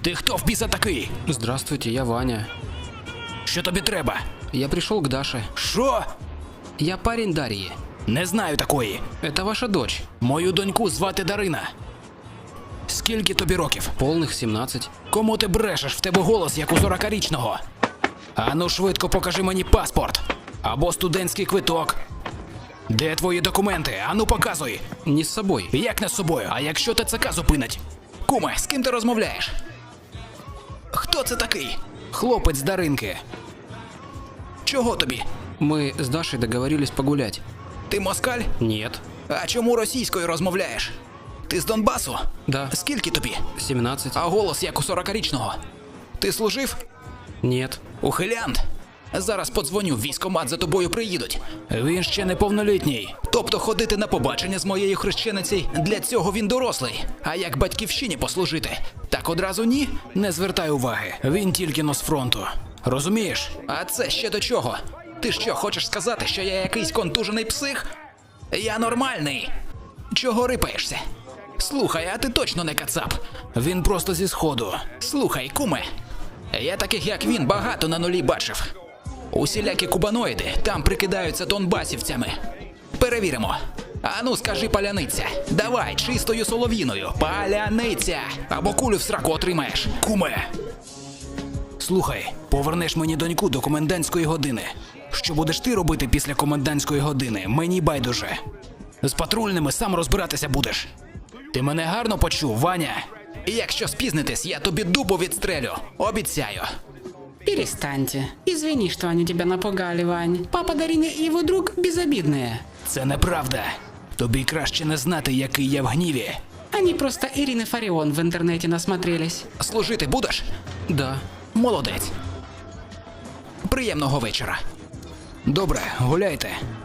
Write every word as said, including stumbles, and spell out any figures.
Ти хто в біса такий? Здравствуйте, я Ваня. Що тобі треба? Я пришел к Даше. Що? Я парень Дарьи. Не знаю такої. Это ваша дочь. Мою доньку звати Дарина. Скільки тобі років? Полных семнадцать. Кому ти брешеш? В тебе голос, як у сорокарічного. Ану швидко покажи мені паспорт. Або студентський квиток. Де твої документи? Ану показуй. Не с собой. Як не з собою? А якщо ТЦК зупинить? Куме, з ким ти розмовляєш? Хто це такий? Хлопець Даринки. Чого тобі? Мы с Дашей договорились погулять. Ти москаль? Нет. А чому російською розмовляєш? Ти з Донбасу? Да. Скільки тобі? семнадцать. А голос як у сорокарічного. Ти служив? Нет. Ухилянт. Зараз подзвоню, в військкомат за тобою приїдуть. Він ще неповнолітній. Тобто ходити на побачення з моєю хрещеницею, для цього він дорослий. А як батьківщині послужити? Так одразу ні? Не звертай уваги. Він тільки но з фронту. Розумієш? А це ще до чого? Ти що, хочеш сказати, що я якийсь контужений псих? Я нормальний. Чого рипаєшся? Слухай, а ти точно не кацап. Він просто зі сходу. Слухай, куме. Я таких, як він, багато на нулі бачив. Усілякі кубаноїди там прикидаються донбасівцями. Перевіримо. Ану, скажи паляниця. Давай, чистою солов'їною. Паляниця. Або кулю в сраку отримаєш. Куме. Слухай, повернеш мені доньку до комендантської години. Що будеш ти робити після комендантської години, мені байдуже. З патрульними сам розбиратися будеш. Ти мене гарно почув, Ваня? І якщо спізнитесь, я тобі дубу відстрелю. Обіцяю. Перестаньте. Извини, что они тебя напугали, Вань. Папа Дарины и его друг безобидные. Це неправда. Тобі краще не знати, який я в гніві. Они просто Ирины Фарион в интернете насмотрелись. Служити будеш? Да. Молодець. Приємного вечора. Добре, гуляйте.